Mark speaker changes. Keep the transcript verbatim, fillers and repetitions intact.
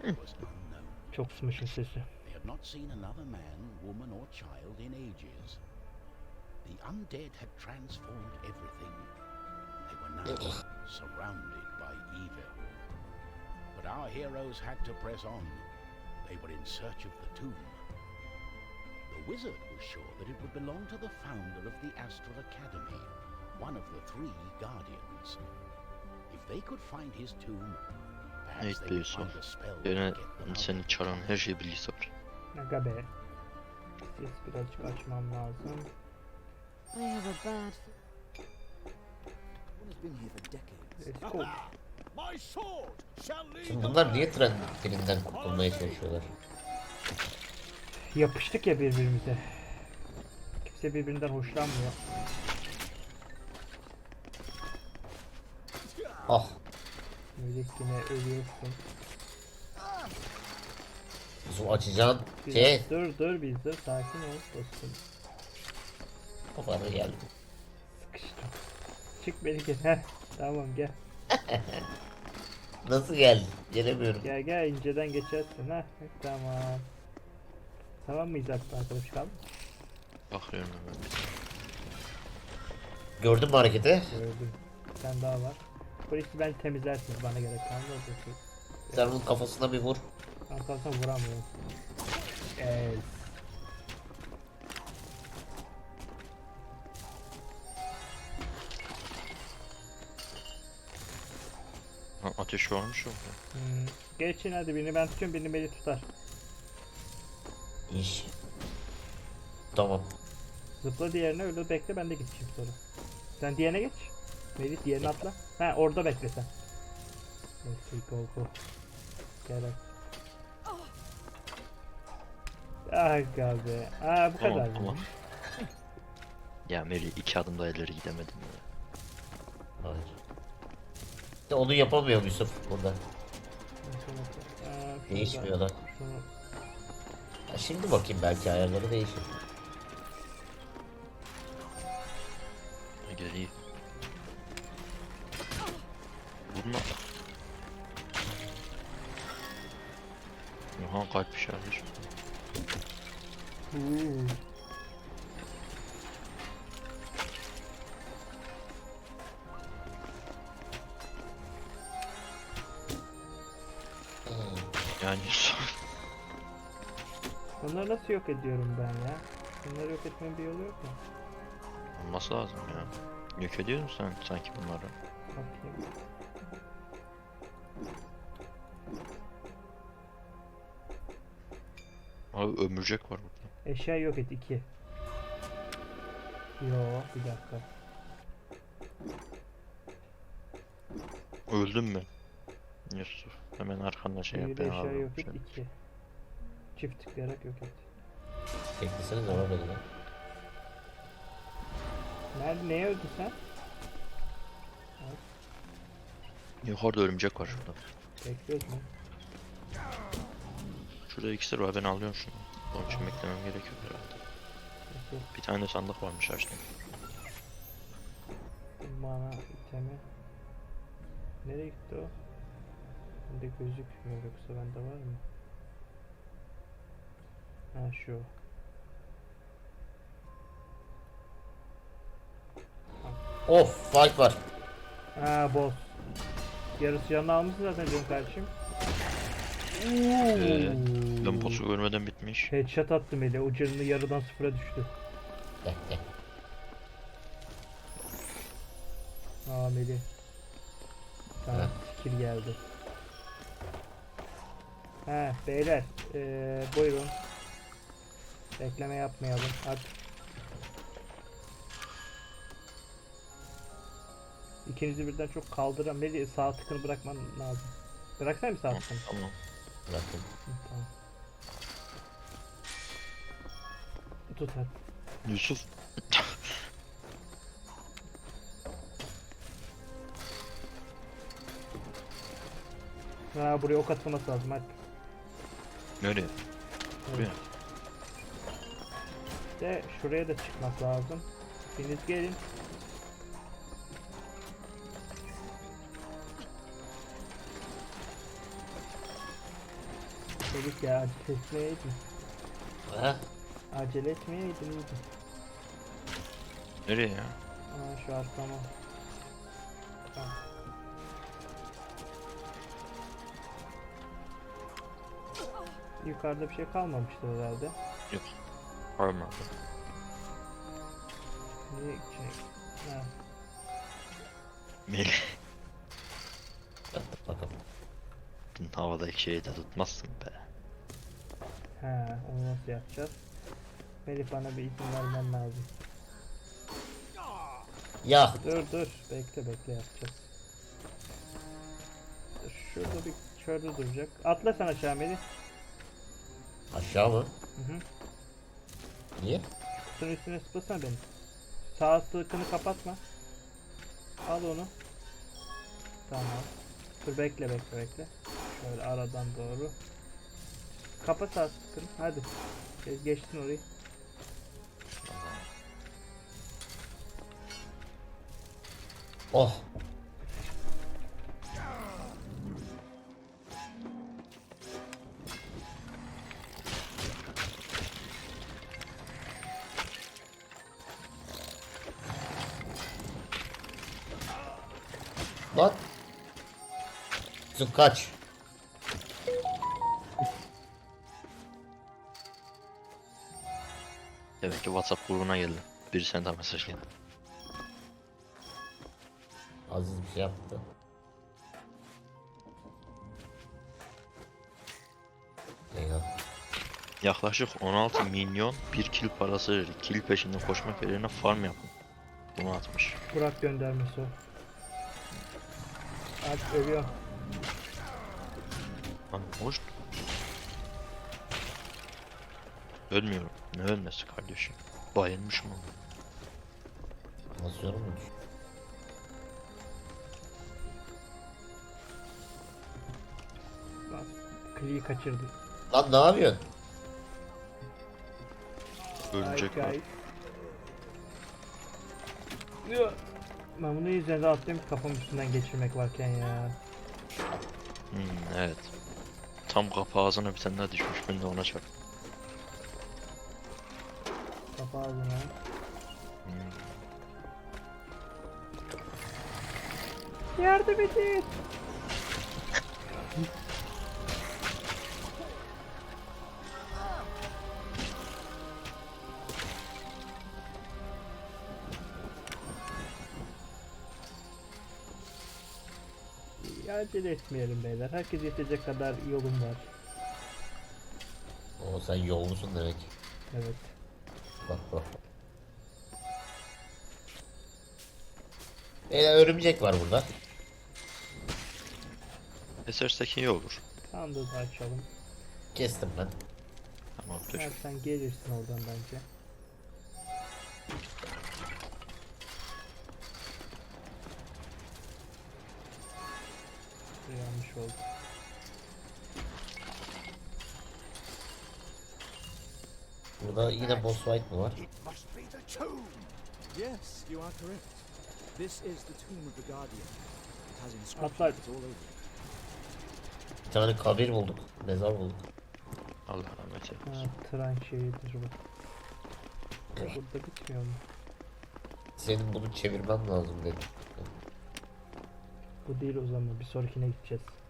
Speaker 1: was unknown.
Speaker 2: Çok kısmışın sesi.
Speaker 1: They had not seen another man, woman, or child in ages. The undead had transformed everything. They were now surrounded by evil. But our heroes had to press on. They were in search of the tomb. The wizard was sure that it would belong to the founder of the Astral Academy, one of the three guardians. If they could find his tomb, perhaps
Speaker 3: Evet
Speaker 1: they would
Speaker 3: Yusuf.
Speaker 1: find a spell to
Speaker 3: Yine
Speaker 1: get them out.
Speaker 3: seni çağıran her şey bilgisayar.
Speaker 2: Aga be. Ses birazcık açmam lazım.
Speaker 4: I have a bad. One has been here for decades.
Speaker 2: Let's go.
Speaker 5: My sword shall lead
Speaker 6: Şimdi
Speaker 5: the
Speaker 6: bunlar
Speaker 5: way.
Speaker 6: niye tren dilinden kurtulmaya çalışıyorlar?
Speaker 2: Yapıştık ya birbirimize. Kimse birbirinden hoşlanmıyor.
Speaker 6: Ah,
Speaker 2: Melek yine ölüyorsun.
Speaker 6: Yusuf açacağın
Speaker 2: Bir
Speaker 6: şey
Speaker 2: dur dur bir dur sakin ol dostum.
Speaker 6: kafanı geldi.
Speaker 2: Sıkıştım. Çık Melike. Heh tamam gel.
Speaker 6: Nasıl geldi? Gelemiyorum.
Speaker 2: Gel gel inceden geçersin ha. Tamam. Tamam mıyız hatta arkadaş kaldı?
Speaker 3: Bakıyorum hemen.
Speaker 6: Gördün mü hareketi?
Speaker 2: Gördüm. Bir tane daha var. Polisi ben temizlersiniz bana gerek kalmaz.
Speaker 6: Sen bunun kafasına bir vur.
Speaker 2: Ben kalsam vuramıyorum. Evet.
Speaker 3: Ha, ateş varmış orada.
Speaker 2: Hmm. Geçin hadi birini ben tutuyorum birini beni tutar.
Speaker 6: İş. Tamam.
Speaker 2: Zıpla diğerine öyle bekle ben de gideceğim sonra. Sen diğerine geç. Melih diğerine atla. Ha orada bekle sen. Neyse go go. Gel hadi. Aga be. Aa bu
Speaker 3: Tamam,
Speaker 2: kadar.
Speaker 3: tamam.
Speaker 2: mı?
Speaker 3: Ya Meri iki adım daha ileri gidemedim ya.
Speaker 6: Hayır. İşte onu yapamıyor Yusuf burada.
Speaker 2: Aa, şurada.
Speaker 6: Değişmiyor lan.
Speaker 2: Şunu
Speaker 6: Ya şimdi bakayım belki ayarları değişir.
Speaker 3: Geri. Vurma. Aha kalp işareti.
Speaker 2: Uuu.
Speaker 3: Yani
Speaker 2: Bunları nasıl yok ediyorum ben ya? Bunları yok etmenin bir yolu yok mu?
Speaker 3: olması lazım ya. Yok ediyor musun sen sanki bunları?
Speaker 2: Bakayım.
Speaker 3: Abi ömürcek var burada.
Speaker 2: Eşya yok et iki. Yo bir dakika.
Speaker 3: Öldün mü? Yusuf hemen arkanda şey yap
Speaker 2: Bir
Speaker 3: ben
Speaker 2: eşya
Speaker 3: alırım
Speaker 2: yok et
Speaker 3: seni.
Speaker 2: iki. Çift tıklayarak yok et.
Speaker 6: Beklesene zaman dedi lan.
Speaker 2: Nerede neye öldün sen?
Speaker 3: Yukarıda örümcek var şurada.
Speaker 2: Bekliyoruz mu?
Speaker 3: Şurada iksir var ben alıyorum şunu. Onun için beklemem gerekiyor herhalde.
Speaker 2: Bekliyoruz.
Speaker 3: Bir tane de sandık varmış açtım.
Speaker 2: Bana itemi. Nereye gitti o? Bende gözükmüyor yoksa bende var mı? Ha şu.
Speaker 6: Of, fight var.
Speaker 2: Ha boss. Yarısı canını almışsın zaten canım kardeşim.
Speaker 3: Ee, ben boss'u görmeden bitmiş.
Speaker 2: Headshot attım ele. O canını yarıdan sıfıra düştü.
Speaker 6: Gel gel.
Speaker 2: Aa Melih. Sana
Speaker 6: Evet.
Speaker 2: skill geldi. He beyler. Ee, buyurun. Bekleme yapmayalım. Hadi. İkinizi birden çok kaldıran Melih sağ tıkını bırakman lazım. Bıraksana bir sağ
Speaker 3: Tamam,
Speaker 2: tıkını.
Speaker 3: tamam.
Speaker 6: Bıraktım.
Speaker 2: Hı, tamam. Tut hadi.
Speaker 3: Yusuf.
Speaker 2: Ha buraya ok atılması lazım hadi.
Speaker 3: Nereye? Buraya.
Speaker 2: De şuraya da çıkmak lazım. Biriniz gelin. Dedik ya acele etmeyeydin.
Speaker 6: Ha?
Speaker 2: Acele etmeyeydin iyiydi.
Speaker 3: Nereye ya?
Speaker 2: Aa şu arkama. Tamam. Yukarıda bir şey kalmamıştır herhalde.
Speaker 3: Yok. Olmadı.
Speaker 2: Niye şey? Ha.
Speaker 3: Melih.
Speaker 6: Yaptık bakalım.
Speaker 3: Havadaki şeyi de tutmazsın be.
Speaker 2: He, onu nasıl yapacağız? Melih bana bir izin vermen lazım.
Speaker 6: Ya.
Speaker 2: Dur dur, bekle bekle yapacağız. Dur, şurada bir şurada duracak. Atla sen aşağı Melih.
Speaker 6: Aşağı mı?
Speaker 2: Hı hı.
Speaker 6: Niye?
Speaker 2: Kutunun üstüne zıplasana beni. Sağ sıkını kapatma. Al onu. Tamam. Dur bekle bekle bekle. Şöyle aradan doğru. Kapa sağ sıkını. Hadi. Ge- Geçtin orayı.
Speaker 6: Oh. Lan. Kızım kaç.
Speaker 3: Demek ki WhatsApp grubuna geldi. Bir sen daha mesaj geldi.
Speaker 6: Aziz bir şey yaptı. Eyvah.
Speaker 3: Yaklaşık on altı milyon bir kill parası verir. Kill peşinde koşmak yerine farm yapın. Bunu atmış.
Speaker 2: Burak göndermesi o. Artık ölüyor.
Speaker 3: Lan hoş. Ölmüyorum. Ne ölmesi kardeşim? Bayılmışım ama.
Speaker 6: Nasıl yorum mu düşün?
Speaker 2: Bak, Kli'yi kaçırdı.
Speaker 6: Lan ne yapıyorsun?
Speaker 3: Ölecek
Speaker 2: Ay,
Speaker 3: var.
Speaker 2: ay. Yo. Ben bunu yüzüne de atlayayım kafam üstünden geçirmek varken ya.
Speaker 3: Hmm, evet. Tam kapı ağzına bir tane daha düşmüş. Ben de ona çak.
Speaker 2: Kafa ağzına.
Speaker 3: Hmm.
Speaker 2: Yardım edin. Ya acele etmeyelim beyler. Herkes yetecek kadar yolum var.
Speaker 6: Oo sen yollusun demek.
Speaker 2: Evet.
Speaker 6: Bak bak. Beyler örümcek var burada.
Speaker 3: Esersek iyi olur.
Speaker 2: Sandığı da açalım.
Speaker 6: Kestim ben.
Speaker 3: Tamamdır.
Speaker 2: Eğer sen gelirsin oradan bence. Yanlış oldu.
Speaker 6: Burada yine boss fight mı var?
Speaker 5: It must be the tomb.
Speaker 4: Yes, you are correct. This is the tomb of the Guardian. It has
Speaker 2: Atlar.
Speaker 4: inscriptions all over it.
Speaker 6: Bir tane kabir bulduk. Mezar bulduk.
Speaker 3: Allah rahmet eylesin.
Speaker 2: Ha, tren şeyidir bu. Ya burada bitmiyor mu?
Speaker 6: Senin bunu çevirmen lazım dedim.
Speaker 2: Bu değil o zaman. Bir sonrakine gideceğiz.